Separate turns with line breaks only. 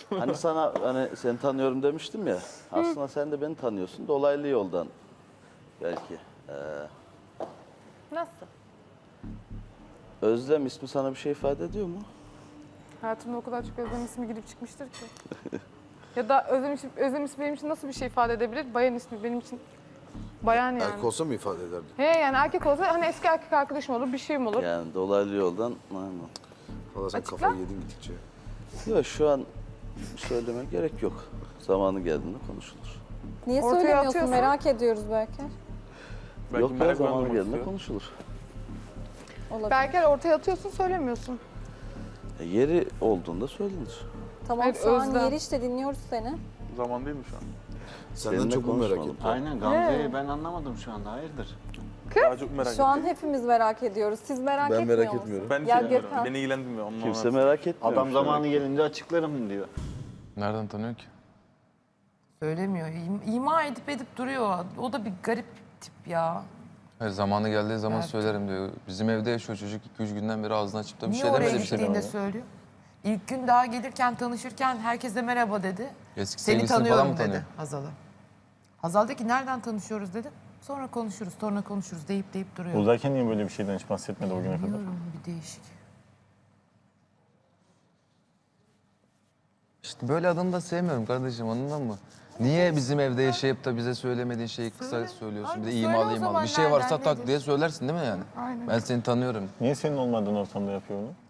Hani sana hani seni tanıyorum demiştim ya. Aslında sen de beni tanıyorsun. Dolaylı yoldan belki.
Nasıl?
Özlem ismi sana bir şey ifade ediyor mu?
Hayatımda o kadar çok Özlem ismi girip çıkmıştır ki. Ya da Özlem ismi benim için nasıl bir şey ifade edebilir? Bayan ismi benim için bayan yani.
Erkek olsa mı ifade ederdi?
He yani erkek olsa hani eski erkek arkadaşım olur, bir şeyim olur.
Yani dolaylı yoldan aynen.
Valla sen
Açıkla.
kafayı yedin gittikçe.
Yok şu an söylemeye gerek yok. Zamanı geldiğinde konuşulur.
Niye
Ortaya
söylemiyorsun?
atıyorsun.
Merak ediyoruz belki.
Belki
Yok ya
merak
zamanı
uyandırmak
geldiğinde
istiyor.
konuşulur.
Olabilir.
Belki ortaya atıyorsun, söylemiyorsun.
Yeri olduğunda söylenir.
Tamam
Hayır,
şu an
Özlem.
yeri işte dinliyoruz seni.
Zaman değil mi şu an?
Senden
Seninle
çok mu merak
konuşmadım.
ettim?
Aynen Gamze'yi ben anlamadım şu anda. Hayırdır?
Daha çok merak
Şu an
ettim.
hepimiz merak ediyoruz. Siz merak
Ben
etmiyor
merak
musunuz?
etmiyorum.
Ben hiç
Ya
etmiyorum.
Gökhan.
Beni ilgilendirmiyor. Onunla
Kimse
uğraşmam.
merak etmiyor.
Adam zamanı gelince açıklarım diyor.
Nereden tanıyor ki?
Söylemiyor. İma edip duruyor. O da bir garip tip ya.
Hayır, zamanı geldiği zaman
Evet.
söylerim diyor. Bizim evde yaşıyor çocuk. 2-3 günden beri ağzını açıp da bir
Niye
şey
oraya
demedi bir şey
gittiğinde
demedi.
söylüyor? İlk gün daha gelirken, tanışırken herkese merhaba dedi.
Eski
Seni
sevgilisini
tanıyorum
falan mı tanıyor?
dedi Hazal'a. Hazal dedi ki nereden tanışıyoruz dedi. Sonra konuşuruz deyip duruyor.
Buradayken niye böyle bir şeyden hiç bahsetmedi o güne kadar?
Bilmiyorum, bir değişik.
İşte böyle adamı da sevmiyorum kardeşim, anladın mı? Niye bizim evde yaşayıp da bize söylemediğin şeyi kısa
Söyle.
söylüyorsun? Bir de
Abi söyle o
imalı.
zaman
Bir şey varsa
nereden,
tak
nedir?
diye söylersin değil mi yani?
Aynen.
Ben seni tanıyorum.
Niye senin olmadığın ortamda yapıyor onu?